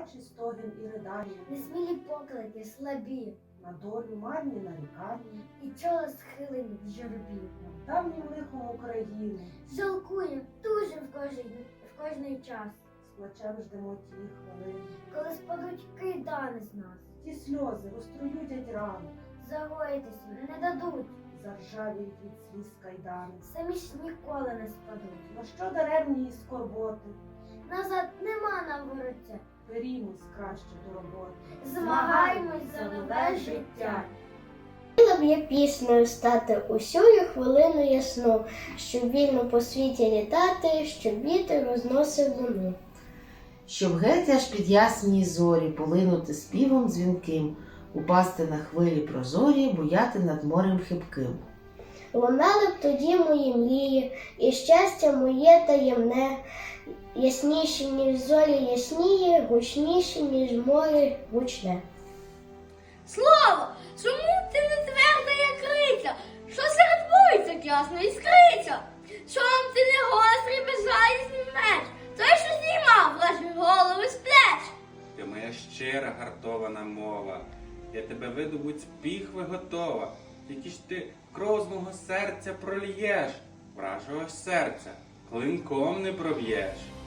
дитячий стогін і ридання, несмілі поклики, слабі, на долю марні нарікання, і чола схилені в журбі. над давнім лихом України, Жалкуєм, тужим в кожний час, з плачем ждемо тієї хвилини. коли спадуть кайдани з нас. Ті сльози розтруюдять рани, Загоїтися не дадуть, заржавіють від сліз кайдани. самі ж ніколи не спадуть. На що даремні її скорботи, Назад нема нам вороття. берімось краще до роботи. Змагаймось за нове життя. Хотіла б я піснею стати усю хвилину ясну, щоб вільно по світі літати, щоб вітер розносив луну. Щоб геть аж під ясні зорі полинути співом дзвінким, упасти на хвилі прозорі, буяти над морем хибким. Лунали б тоді мої мрії, і щастя моє таємне, ясніші, ніж зорі ясніє, гучніші, ніж море гучне. Слово, чому ти не тверда, як криця? Що серед вулиця ясно іскриця? Чом ти не гострий, безжалісний меч? Той, що знімав ваші голови з плеч? Ти моя щира гартована мова, я тебе видобуть з піхви готова, тільки ж ти кров з мого серця прольєш, вражого серця клинком не проб'єш.